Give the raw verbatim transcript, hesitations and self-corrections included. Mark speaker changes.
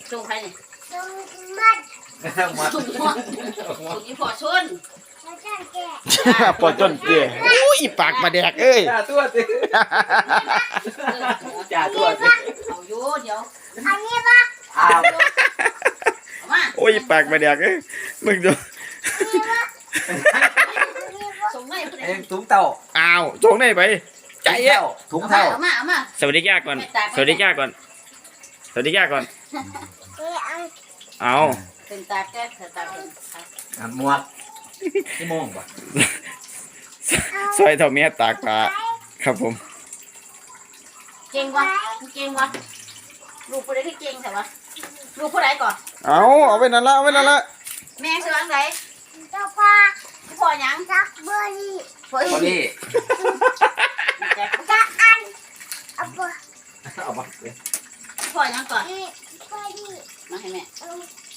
Speaker 1: จงใครเนี่ย
Speaker 2: จงมัด
Speaker 3: หมด
Speaker 1: ถุงหัวถุงนี้พอชน
Speaker 2: แล้วจะแกะ
Speaker 4: ปวดจนเตี้ยอุ้ยปากมาแดกเอ้ย
Speaker 3: จ่าตัวสิจ่าตัวสิ
Speaker 1: เอาอยู่เดี๋ยว
Speaker 2: อันนี้ปะ
Speaker 3: อ้าว
Speaker 1: เอามา
Speaker 4: โอ้ยปากมาแดกเอ้ยมึงดู
Speaker 1: ส่งให้ผู้ใด
Speaker 3: เอ็งถุงเต่า
Speaker 4: อ้าวโจงได้ไปใจเอ้ย
Speaker 3: ถุงเต่า
Speaker 1: เอามาเอามา
Speaker 4: สวัสดีย่าก่อนสวัสดีย่าก่อนสวัสดีย่าก่อน
Speaker 2: เอ้ยอัน
Speaker 4: เอา
Speaker 1: เป็นตาแก้เถอะตาเป็น
Speaker 3: อ่ะหมวกที่โมงป่ะ
Speaker 4: ซอยเท่าเมียตากปลาครับผม
Speaker 1: เก่งวะเก่งวะลูกผู้ใดที่เก่งแต่วะลูกผู้ใดก่อน
Speaker 4: เอาเอาไปนั่นละเอาไปนั่นละ
Speaker 1: แม่ชื่ออะไร
Speaker 2: เจ้าพ่อ
Speaker 1: พ่อยัง
Speaker 2: จักเบอร์รี่
Speaker 1: พ่อ
Speaker 3: พอดี
Speaker 2: จักอันเอาเบอร์
Speaker 3: เอามาเลย
Speaker 1: พ่อยังก่อน
Speaker 2: รี่เบอร์รี่
Speaker 1: มาให้แม่
Speaker 2: เอา